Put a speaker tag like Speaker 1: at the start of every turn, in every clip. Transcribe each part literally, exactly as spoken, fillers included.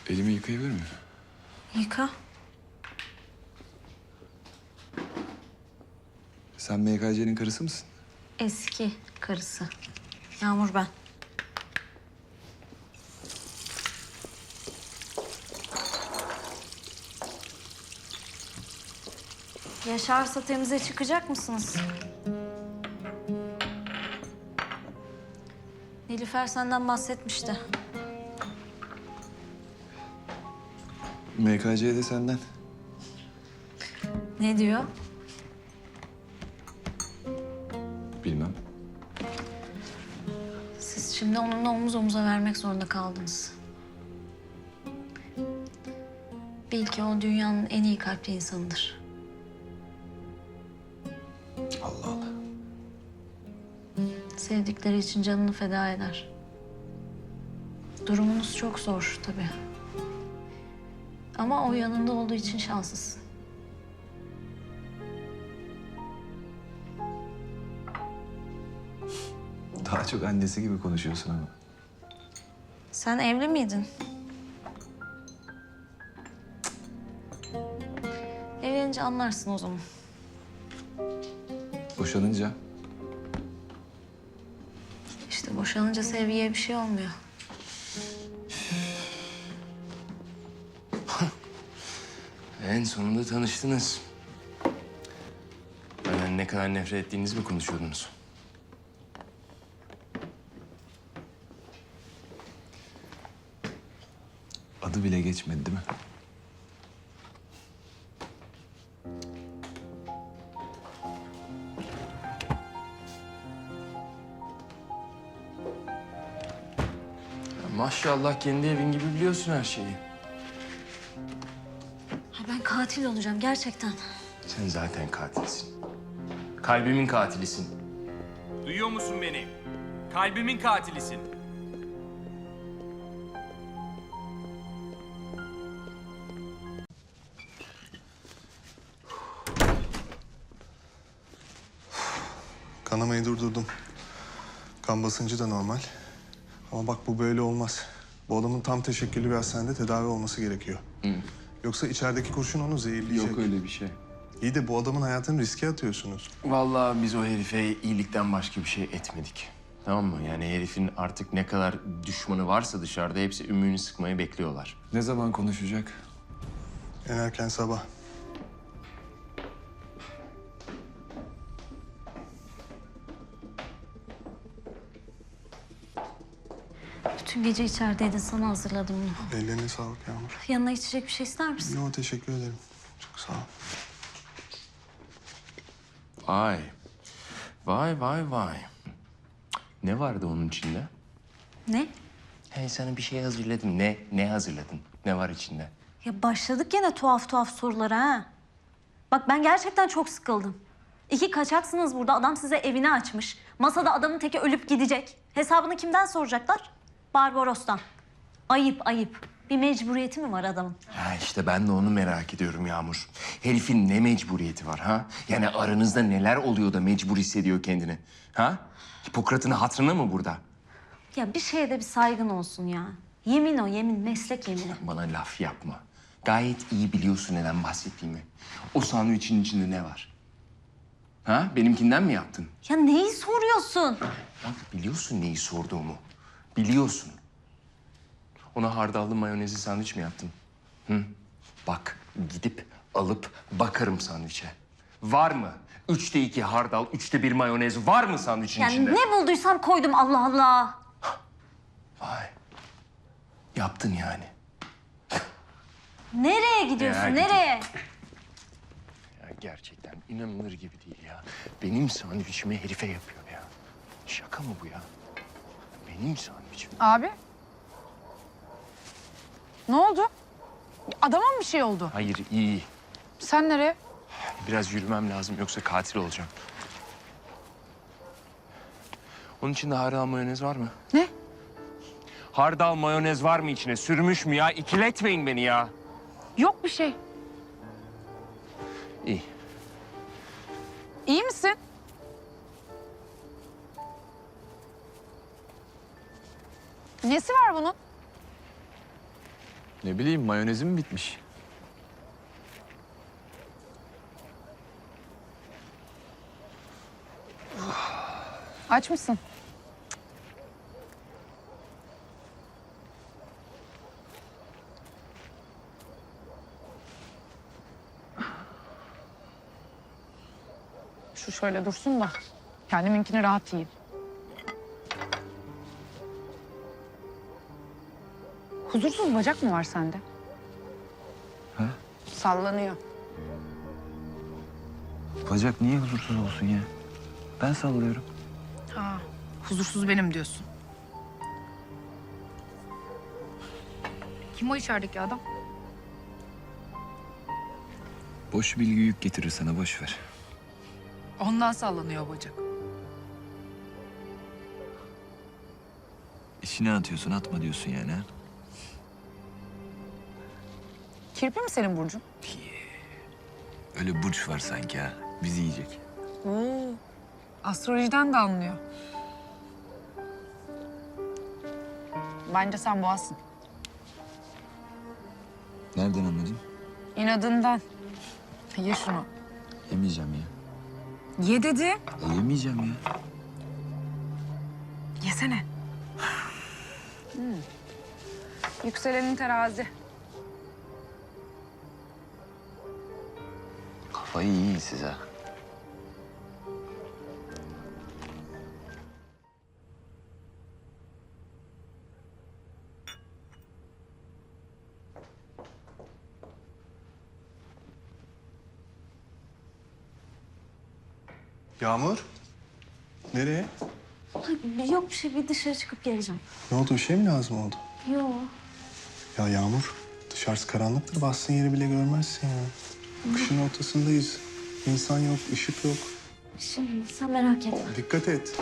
Speaker 1: Elimi yıkayabilir miyim?
Speaker 2: Yıka.
Speaker 1: Sen M K C'nin karısı mısın?
Speaker 2: Eski karısı. Yağmur ben. Yaşarsa temize çıkacak mısınız? Nilüfer senden bahsetmişti.
Speaker 1: M K C de senden.
Speaker 2: Ne diyor?
Speaker 1: Bilmem.
Speaker 2: Siz şimdi onunla omuz omuza vermek zorunda kaldınız. Bil ki o dünyanın en iyi kalpli insanıdır.
Speaker 1: Allah Allah.
Speaker 2: Sevdikleri için canını feda eder. Durumunuz çok zor tabii. Ama o yanında olduğu için şanslısın.
Speaker 1: Daha çok annesi gibi konuşuyorsun ama.
Speaker 2: Sen evli miydin? Evlenince anlarsın o zaman.
Speaker 1: Boşanınca
Speaker 2: İşte boşanınca sevgiye bir şey olmuyor.
Speaker 3: En sonunda tanıştınız. Benden ne kadar nefret ettiğinizi mi konuşuyordunuz?
Speaker 1: adı bile geçmedi değil mi?
Speaker 3: Ya maşallah kendi evin gibi biliyorsun her şeyi.
Speaker 2: Ha, ben katil olacağım gerçekten.
Speaker 3: Sen zaten katilsin. Kalbimin katilisin.
Speaker 4: Duyuyor musun beni? Kalbimin katilisin.
Speaker 5: Kanamayı durdurdum. Kan basıncı da normal. Ama bak bu böyle olmaz. Bu adamın tam teşekküllü bir hastanede tedavi olması gerekiyor.
Speaker 3: Hı.
Speaker 5: Yoksa içerideki kurşun onu zehirleyecek.
Speaker 1: Yok öyle bir şey.
Speaker 5: İyi de bu adamın hayatını riske atıyorsunuz.
Speaker 3: Vallahi biz o herife iyilikten başka bir şey etmedik. Tamam mı? Yani herifin artık ne kadar düşmanı varsa dışarıda hepsi ümüğünü sıkmayı bekliyorlar.
Speaker 1: Ne zaman konuşacak?
Speaker 5: En erken sabah.
Speaker 2: Bütün gece içerideydin, sana hazırladım bunu.
Speaker 5: Ellerine sağlık Yağmur.
Speaker 2: Yanına içecek bir şey ister misin?
Speaker 5: Yo, teşekkür ederim. Çok sağ ol.
Speaker 3: Vay. Vay vay vay. Ne vardı onun içinde?
Speaker 2: Ne?
Speaker 3: Hey sana bir şey hazırladım. Ne? Ne hazırladın? Ne var içinde?
Speaker 2: Ya başladık gene tuhaf tuhaf sorulara ha. Bak ben gerçekten çok sıkıldım. İki kaçaksınız burada. Adam size evini açmış. Masada adamın teki ölüp gidecek. Hesabını kimden soracaklar? Barbaros'tan. Ayıp ayıp. Bir mecburiyeti mi var adamın?
Speaker 3: Ha işte ben de onu merak ediyorum Yağmur. Herifin ne mecburiyeti var ha? Yani aranızda neler oluyor da mecbur hissediyor kendini? Ha? Hipokrat'ın hatırına mı burada?
Speaker 2: Ya bir şeye de bir saygın olsun ya. Yemin o yemin, meslek yemini.
Speaker 3: Bana laf yapma. Gayet iyi biliyorsun neden bahsettiğimi. O sandviçin içinde ne var? Ha? Benimkinden mi yaptın?
Speaker 2: Ya neyi soruyorsun?
Speaker 3: Bak biliyorsun neyi sorduğumu. Biliyorsun. Ona hardallı mayonezli sandviç mi yaptın? Hı? Bak gidip alıp bakarım sandviçe. Var mı? Üçte iki hardal, üçte bir mayonez var mı sandviçin
Speaker 2: Yani
Speaker 3: içinde?
Speaker 2: ne bulduysam koydum Allah Allah.
Speaker 3: Vay. Yaptın yani.
Speaker 2: Nereye gidiyorsun,
Speaker 3: Ya,
Speaker 2: nereye?
Speaker 3: Ya gerçekten inanılır gibi değil ya. Benim sandviçimi herife yapıyor ya. Şaka mı bu ya? Benim sandviçim.
Speaker 6: Abi. Ne oldu? Adama mı bir şey oldu?
Speaker 3: Hayır iyi.
Speaker 6: Sen nereye?
Speaker 3: Biraz yürümem lazım yoksa katil olacağım. Onun içinde hardal mayonez var mı?
Speaker 6: Ne?
Speaker 3: Hardal mayonez var mı içine? Sürmüş mü ya? İkiletmeyin beni ya.
Speaker 6: Yok bir şey.
Speaker 3: İyi.
Speaker 6: İyi misin? Nesi var bunun?
Speaker 1: Ne bileyim mayonezim bitmiş.
Speaker 6: Aç mısın? Şu şöyle dursun da kendiminkini rahat yiyeyim. Huzursuz bacak mı var sende?
Speaker 1: Ha?
Speaker 6: Sallanıyor.
Speaker 1: Bacak niye huzursuz olsun ya? Ben sallıyorum.
Speaker 6: Ha, huzursuz benim diyorsun. Kim o içerideki adam?
Speaker 1: Boş bilgi yük getirir sana, boş ver.
Speaker 6: Ondan sallanıyor o bacak.
Speaker 1: İçine atıyorsun, atma diyorsun yani ha?
Speaker 6: Kirpi mi senin burcun?
Speaker 1: Öyle burç var sanki ha, bizi yiyecek.
Speaker 6: Oo, astrolojiden de anlıyor. Bence sen boğazsın.
Speaker 1: Nereden anladın?
Speaker 6: İnadından. Ye şunu.
Speaker 1: Yemeyeceğim ya.
Speaker 6: Ye dedi.
Speaker 1: E, yemeyeceğim ya.
Speaker 6: Yesene. Hmm. Yükselenin terazi.
Speaker 1: Kafayı yiyin siz ha.
Speaker 5: Yağmur? Nereye?
Speaker 2: Yok bir şey, bir dışarı çıkıp geleceğim.
Speaker 5: Ne oldu? Bir şey mi lazım oldu?
Speaker 2: Yok.
Speaker 5: Ya Yağmur, dışarısı karanlıktır. Bastığın yeri bile görmezsin ya. Kışın ortasındayız. İnsan yok, ışık yok.
Speaker 2: Şimdi sen merak etme.
Speaker 5: Dikkat et.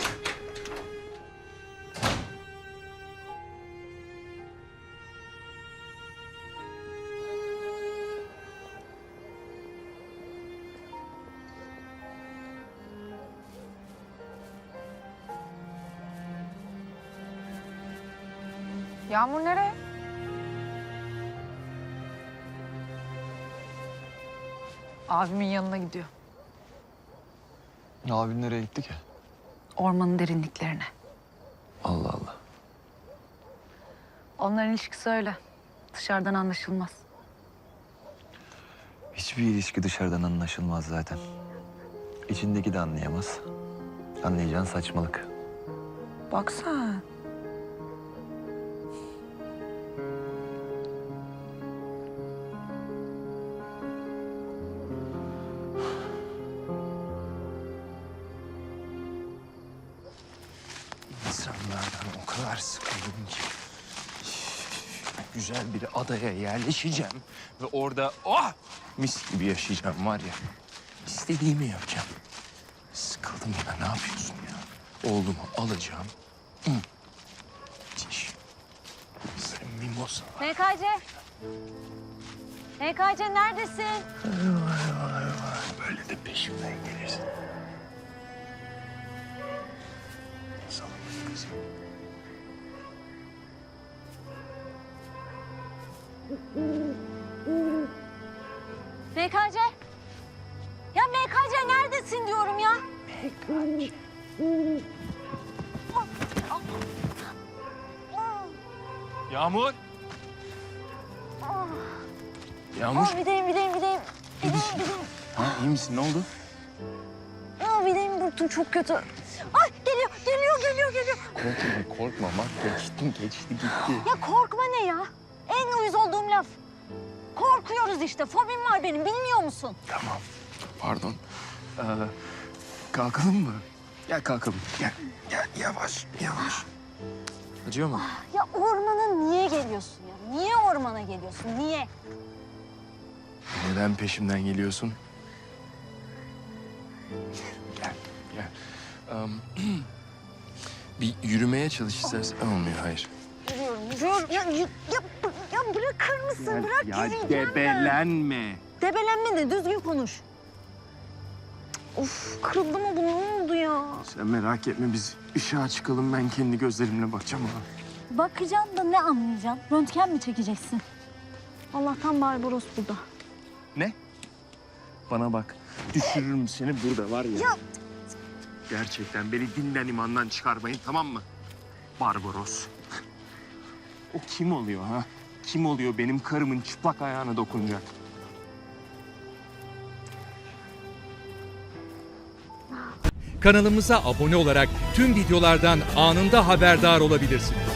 Speaker 6: Yağmur nereye? Abimin yanına gidiyor.
Speaker 1: Abin nereye gitti ki?
Speaker 6: Ormanın derinliklerine.
Speaker 1: Allah Allah.
Speaker 6: Onların ilişkisi öyle. Dışarıdan anlaşılmaz.
Speaker 1: Hiçbir ilişki dışarıdan anlaşılmaz zaten. İçindeki de anlayamaz. Anlayacağın saçmalık.
Speaker 6: Bak sen.
Speaker 3: İnsanlardan o kadar sıkıldım ki. Güzel bir adaya yerleşeceğim ve orada oh mis gibi yaşayacağım var ya. İstediğimi yapacağım. Sıkıldım ya, ne yapıyorsun ya? Oğlumu alacağım. Hı. Müthiş. Sen mimosa.
Speaker 2: M K C. M K C neredesin?
Speaker 3: Vay vay vay. Böyle de peşimden gelirsin. Salak kızım.
Speaker 2: M K C. Ya M K C neredesin diyorum ya.
Speaker 3: Yağmur. Yağmur.
Speaker 2: Aa, videyim, videyim, videyim. Videyim, videyim.
Speaker 3: Ha, iyi misin? Ne oldu?
Speaker 2: Aa, videyim burktum çok kötü. Ay geliyor, geliyor, geliyor, geliyor.
Speaker 3: Korkma, korkma. Bak geçti, geçti, gitti.
Speaker 2: Ya korkma ne ya? En uyuz olduğum laf. Korkuyoruz işte. Fobim var benim, bilmiyor musun?
Speaker 3: Tamam. Pardon. Ee, kalkalım mı? Gel kalkalım. Gel, gel. Yavaş, yavaş. Acıyor mu?
Speaker 2: Ya ormana niye geliyorsun ya? Niye ormana geliyorsun? Niye?
Speaker 3: Neden peşimden geliyorsun? Gel, gel. Am, bir yürümeye çalış istersen. Olmuyor, hayır.
Speaker 2: Yürüyorum, yürüyorum. Ya, ya, ya, ya bırakır mısın? Bırak yürüyeceğim ben.
Speaker 3: debelenme.
Speaker 2: Debelenme de düzgün konuş. Of kırıldı mı bu? Ne oldu ya?
Speaker 3: Sen merak etme, biz ışığa çıkalım. Ben kendi gözlerimle bakacağım ona.
Speaker 2: Bakacaksın da ne anlayacaksın? Röntgen mi çekeceksin? Allah'tan Barbaros burada.
Speaker 3: Ne? Bana bak. Düşürürüm seni burada var ya. Gerçekten beni dinden imandan çıkarmayın, tamam mı? Barbaros. O kim oluyor ha? Kim oluyor benim karımın çıplak ayağına dokunacak?
Speaker 7: Kanalımıza abone olarak tüm videolardan anında haberdar olabilirsiniz.